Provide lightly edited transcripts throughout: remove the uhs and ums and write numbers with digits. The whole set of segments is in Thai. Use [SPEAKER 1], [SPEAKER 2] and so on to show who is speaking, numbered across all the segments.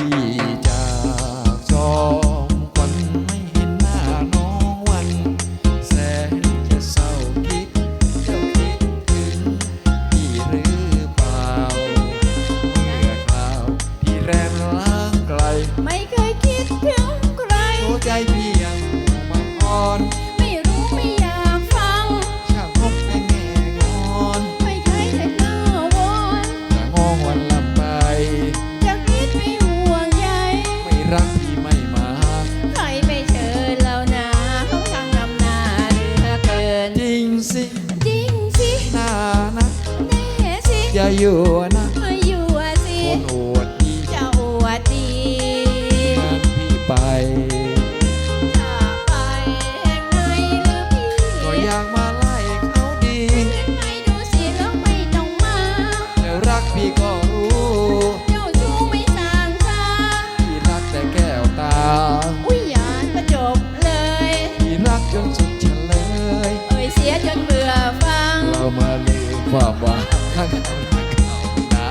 [SPEAKER 1] จากจอมควันไม่เห็นหน้าน้องวันแสนจะเศร้าคิดเจ้าคิดถึงพี่หรือเปล่าเมื่อคราวที่แรมล้างไกล
[SPEAKER 2] ไม่เคยคิดถึงใคร
[SPEAKER 1] หัวใจพี่ยังบังอ่อน
[SPEAKER 2] ไม่รู้ไม่อยากฟัง
[SPEAKER 1] ช่างพบแต่แง่งอน
[SPEAKER 2] ไม่เคยแต่หน้าวอน
[SPEAKER 1] จะงอวันลำไป
[SPEAKER 2] จะคิดไม่ห่วงใย
[SPEAKER 1] ไม่รักพี่ไม่มา
[SPEAKER 2] ใครไปเชิญเรานาเขาทางนำหน้าเหลือเกิน
[SPEAKER 1] จริงสิ
[SPEAKER 2] จริงสิ
[SPEAKER 1] หน้านะ
[SPEAKER 2] แน่สิ
[SPEAKER 1] อย่าอยู่นะ
[SPEAKER 2] มาอยู่สิ
[SPEAKER 1] คนอวดดี
[SPEAKER 2] จะอวดดี
[SPEAKER 1] งานพี่ไป
[SPEAKER 2] ถ้าไปแห่งไหนหรือพี่
[SPEAKER 1] ก็อยากมาไล่เขาดี
[SPEAKER 2] ขึ้นไปดูสิแล้วไม่ต้องมา
[SPEAKER 1] แล้วรักพี่ก็รู้
[SPEAKER 2] เจ้าชู้ไม่สร้างชา
[SPEAKER 1] พี่รักแต่แก้วตา
[SPEAKER 2] อุ้ยหยาดก็จบเลย
[SPEAKER 1] พี่รักจนสุดเฉลย
[SPEAKER 2] เอ่ยเสียจนเบื่อฟัง
[SPEAKER 1] เรามาลืมความหวังข้างเขาหน้าเขานะ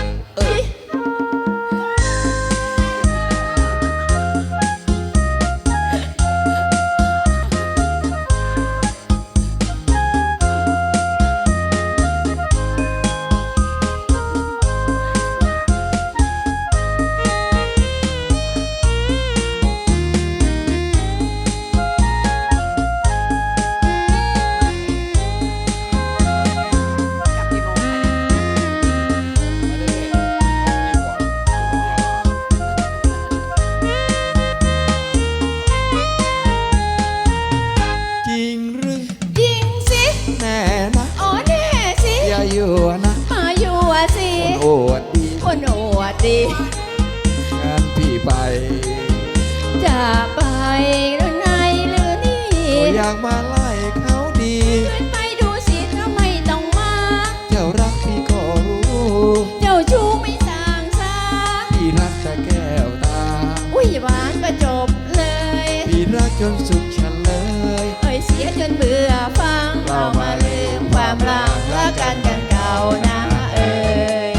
[SPEAKER 1] จริงหรือ
[SPEAKER 2] จริงสิ
[SPEAKER 1] แน่นะ
[SPEAKER 2] อ๋อแน่สิ
[SPEAKER 1] อย่าอยู่นะ
[SPEAKER 2] มาอยู่สิ
[SPEAKER 1] คนอวดดี
[SPEAKER 2] คนอวดดี
[SPEAKER 1] งานพี่ไป
[SPEAKER 2] จะไปหรือไงหรือนี่
[SPEAKER 1] ก็อยากมาไล่เขาดี
[SPEAKER 2] ขึ้นไปดูสิถ้าไม่ต้องมา
[SPEAKER 1] เจ้ารักพี่ก็รู้
[SPEAKER 2] เจ้าชู้ไม่สร้างสา
[SPEAKER 1] พี่รักแต่แก้วตา
[SPEAKER 2] อุ้ยหวานก็จบเลย
[SPEAKER 1] พี่รักจนสุดเฉลย
[SPEAKER 2] เอ่ยเสียจนเบื่อฟังเรามาลืมความรักรักกันกันเก่านะเอ่ย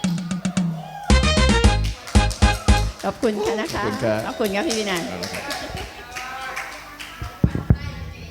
[SPEAKER 2] ขอบคุณค่ะนะคะขอบคุณครับพี่วินัย